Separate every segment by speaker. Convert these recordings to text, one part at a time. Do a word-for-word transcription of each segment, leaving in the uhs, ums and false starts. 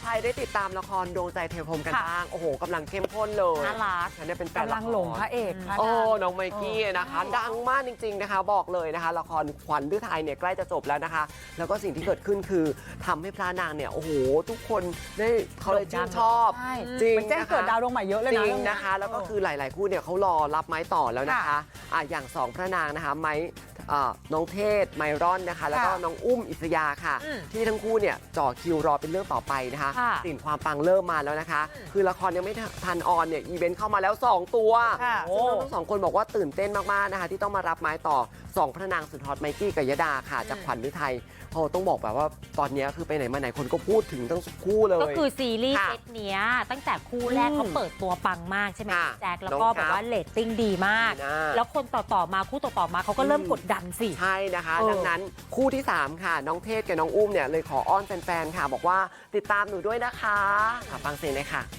Speaker 1: รได้ติดตามละครดวงใจเทวพรหมกันบ้างโอ้โหกำลังเข้มข้นเลย
Speaker 2: น่ารัก
Speaker 1: ฉันเนี่ยเป็นแฟนละคร
Speaker 3: กำลังหลงพระเอกพระ
Speaker 1: โอ้
Speaker 3: นาง
Speaker 1: น้องไมกี้นะคะดังมากจริงๆนะคะบอกเลยนะคะละครขวัญฤทัยเนี่ยใกล้จะจบแล้วนะคะแล้วก็สิ่งที่เกิดขึ้นคือทำให้พระนางเนี่ยโอ้โหทุกคนได้เขาเลยชื่นชอบ
Speaker 3: ใช่
Speaker 1: จริง
Speaker 3: มันแจ้งเกิดดาวดวงใหม่เยอะเลย
Speaker 1: จ
Speaker 3: นะ
Speaker 1: ริงนะคะแล้วก็คือหลายๆคู่เนี่ยเขารอรับไม้ต่อแล้วนะคะอ่ะอย่างสองพระนางนะคะไม้น้องเทศไมรอนนะคะแล้วก็น้องอุ้มอิสยาค่ะที่ทั้งคู่เนี่ยจ่อคิวรอเป็นเรื่องต่อไปนะคะสิ่งความปังเริ่มมาแล้วนะคะคือละครยังไม่ทันออนเนี่ยอีเวนต์เข้ามาแล้วสองตัวซึ่งทั้งสองคนบอกว่าตื่นเต้นมากๆนะคะที่ต้องมารับไม้ต่อสองพระนางสุดฮอตไมกี้กับยดาค่ะจากขวัญฤทัยโอ้ต้องบอกแบบว่าตอนนี้คือไปไหนมาไหนคนก็พูดถึงทั้งคู่เลย
Speaker 2: ก็คือซีรีส์เซตเนี้ยตั้งแต่คู่แรกเขาเปิดตัวปังมากใช่ไหมแจ็คแล้วก็แบบว่าเรตติ้งดีมากแล้วคนต่อๆมาคู่ต่อๆมาเขาก็เริ่มกดดันสิ
Speaker 1: ใช่นะคะดังนั้นคู่ที่สามค่ะน้องเทศกับน้องอุ้มเนี่ยเลยขออ้อนแฟนๆค่ะบอกว่าติดตามหนูด้วยนะคะฟังเสียงเลยค่ะ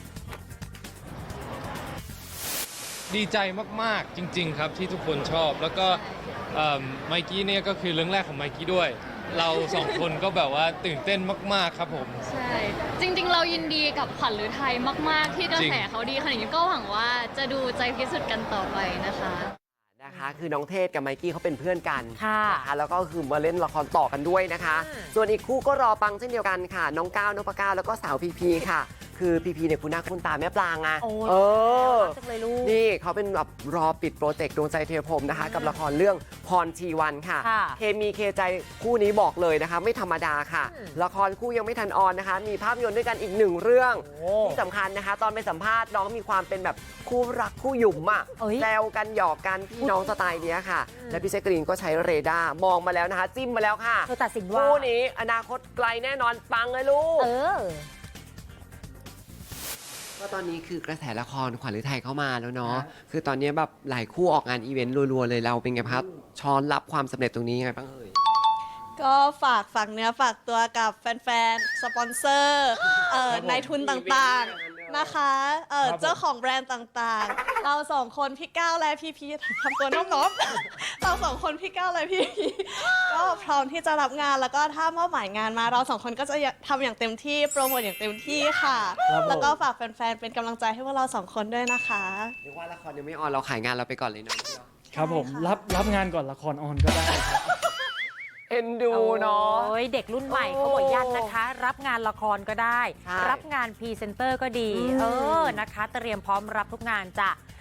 Speaker 4: ดีใจมากๆจริงๆครับที่ทุกคนชอบแล้วก็ไมกี้เนี่ยก็คือเรื่องแรกของไมกี้ด้วย เราสองคนก็แบบว่าตื่นเต้นมากๆครับผม
Speaker 5: ใช่จริงๆเรายินดีกับขวัญฤทัยมากๆที่กระแสเขาดีขนาดนี้ก็หวังว่าจะดูใจพิสุทธิ์กันต่อไปนะคะ
Speaker 1: นะคะคือน้องเทศกับไมกี้เขาเป็นเพื่อนกัน
Speaker 2: นะคะ
Speaker 1: แล้วก็คือมาเล่นละครต่อกันด้วยนะคะส่วนอีกคู่ก็รอปังเช่นเดียวกันค่ะน้องก้าวนพก้าวแล้วก็สาวพีพีค่ะคือพีพีเนี่ยคุณหน้าคุณตาแม่ปลางไงเออนี่เขาเป็นแบบรอปิดโปรเจกต์ดวงใจเทวพรหมนะคะกับละครเรื่องพรชีวันค่ะเคมีเคใจคู่นี้บอกเลยนะคะไม่ธรรมดาค่ะละครคู่ยังไม่ทันออนนะคะมีภาพยนตร์ด้วยกันอีกหนึ่งเรื่องที่สำคัญนะคะตอนไปสัมภาษณ์น้องมีความเป็นแบบคู่รักคู่หยุ่มอ่ะแซวกันหยอกกันพี่น้องสไตล์เนี้ยค่ะและพี่แจ๊กกะรีนก็ใช้เรดาร์มองมาแล้วนะคะจิ้มมาแล้วค่ะ
Speaker 2: เธอตัดสินว่า
Speaker 1: คู่นี้อนาคตไกลแน่นอนปังเลยลูก
Speaker 2: เออ
Speaker 1: ก็ตอนนี้คือกระแสละครขวัญฤทัยเข้ามาแล้วเนาะคือตอนนี้แบบหลายคู่ออกงานอีเวนต์รัวๆเลยเราเป็นไงครับช้อนรับความสำเร็จตรงนี้ยังไงบ้างเอ่ย
Speaker 6: ก็ฝากฝากเนื้อฝากตัวกับแฟนๆ สปอนเซอร์เอ่อนายทุนต่างๆนะคะเอ่อเจ้าของแบรนด์ต่างๆ เราสองคนพี่ก้าวและพี่พีทำตัวน้องๆเราสองคนพี่ก้าวและพี่พีก็พร้อมที่จะรับงานแล้วก็ถ้ามอบหมายงานมาเราสองคนก็จะทำอย่างเต็มที่โปรโมทอย่างเต็มที่ค่ะแล้วก็ฝากแฟนๆเป็นกำลังใจให้พวกเราสองคนด้วยนะคะ
Speaker 1: เรียกว่าละครยังไม่ออนเราขายงานเราไปก่อนเลยเนาะ
Speaker 7: ครับผมรับรับงานก่อนละครออนก็ได้ครับ
Speaker 1: เอ็นดูเนาะ
Speaker 2: เด็กรุ่นใหม่เขาบอกยันนะคะรับงานละครก็ได้รับงานพรีเซนเตอร์ก็ดีเออนะคะเตรียมพร้อมรับทุกงานจ้ะ